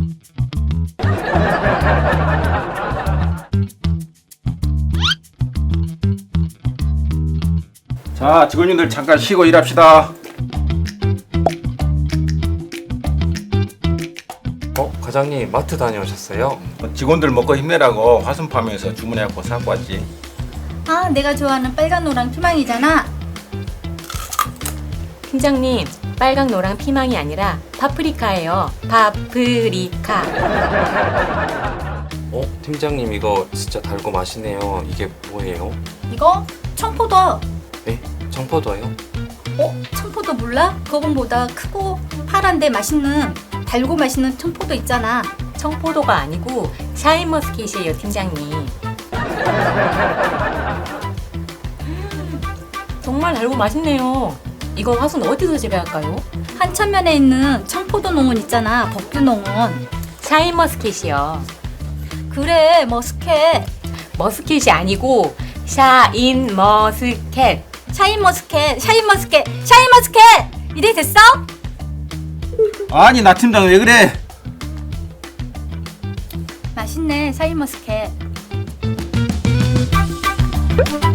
자, 직원님들 잠깐 쉬고 일합시다. 과장님 마트 다녀오셨어요? 직원들 먹고 힘내라고 화순팜에서 주문해갖고 사고 왔지. 아, 내가 좋아하는 빨간 노랑 피망이잖아. 팀장님, 빨강 노랑 피망이 아니라 파프리카예요. 파프리카. 팀장님 이거 진짜 달고 맛있네요. 이게 뭐예요? 이거 청포도. 네? 청포도예요? 청포도 몰라? 그거보다 크고 파란데 맛있는, 달고 맛있는 청포도 있잖아. 청포도가 아니고 샤인머스켓이에요, 팀장님. 정말 달고 맛있네요. 이거 화순 어디서 재배할까요? 한천면에 있는 청포도 농원 있잖아. 법규 농원. 샤인머스켓이요. 그래, 머스켓. 머스켓이 아니고 샤인머스켓. 샤인머스켓, 샤인머스켓, 샤인머스켓! 이래 됐어? 아니, 나 팀장 왜 그래? 맛있네, 샤인머스켓.